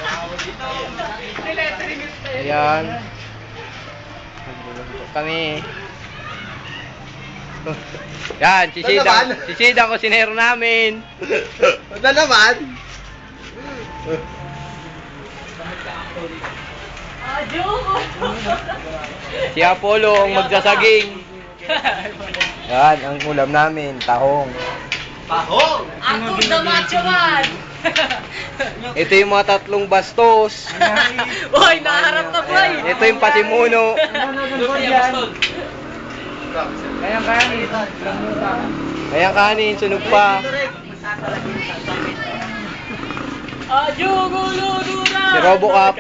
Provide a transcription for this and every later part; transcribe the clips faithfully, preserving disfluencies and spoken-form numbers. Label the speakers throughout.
Speaker 1: Ayan. Nagluluto kami. Yan, sisidang, sisidang ko sinero namin.
Speaker 2: Ano naman?
Speaker 1: Si Apollo ang magsasaging. Yan, ang ulam namin, tahong.
Speaker 2: Tahong!
Speaker 3: Ako the macho man!
Speaker 1: Ito yung mga tatlong bastos.
Speaker 3: Boy, naharap na boy!
Speaker 1: Ayan, ito yung pasimuno.
Speaker 2: Kayang kanin.
Speaker 1: Kayang kanin, sunog pa. Si Robocop.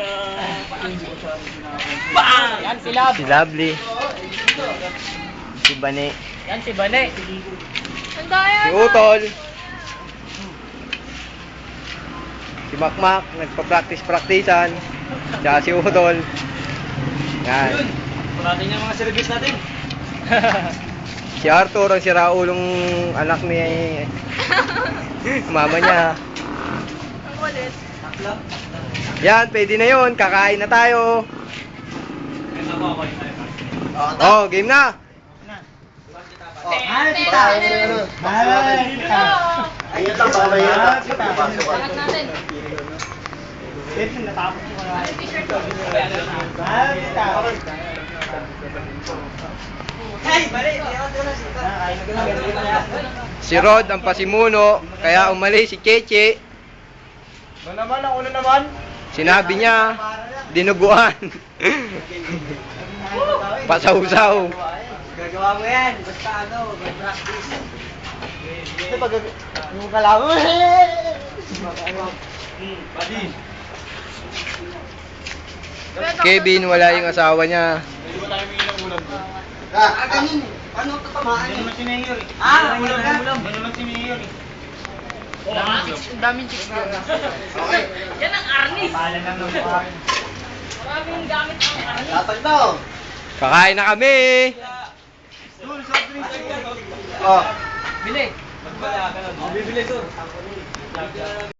Speaker 3: Bang! Yan si Lab.
Speaker 1: Si Lovely. Si Bane.
Speaker 3: Yan si Bane.
Speaker 1: Si Utol. Si Makmak, nagpa-practice-practicean. Tsaka si Utol. Yan.
Speaker 2: Parating yung mga service natin.
Speaker 1: Si Arthur, ang siraulong anak ni mama niya.
Speaker 3: Ang kulit.
Speaker 1: Yan, pwede na yun. Kakain na tayo. Oh, game na.
Speaker 2: Ay, tita! Ay, tita! Ayun lang, bawal yun.
Speaker 3: Salat natin.
Speaker 2: Ito, natapos ko na.
Speaker 3: Ano yung t-shirt ko?
Speaker 2: Ay, tita! Hey, bali!
Speaker 1: Si Rod, ang pasimuno. Kaya umalis si Cheche.
Speaker 2: Ano naman, ako na naman?
Speaker 1: Sinabi niya, dinuguan. Pasaw-saw.
Speaker 2: Gagawa mo yan, basta ano, mag-practice. Ito pag yung kalaw. Buddy.
Speaker 1: Kevin, wala yung asawa niya.
Speaker 2: Pwede ba tayo may ilang ulam doon? Ah, ganun. Paano tatamaan? Yan naman si Mayor eh. Ah, ulam ka? Yan naman si Mayor eh.
Speaker 3: Ang daming chicks doon.
Speaker 2: Okay.
Speaker 3: Yan ang arnis.
Speaker 2: Pala lang ng buhay.
Speaker 3: Maraming gamit ang arnis.
Speaker 2: Latag na oh.
Speaker 1: Kakain na kami.
Speaker 2: Oh.
Speaker 3: Bili.
Speaker 2: Bibili, sir.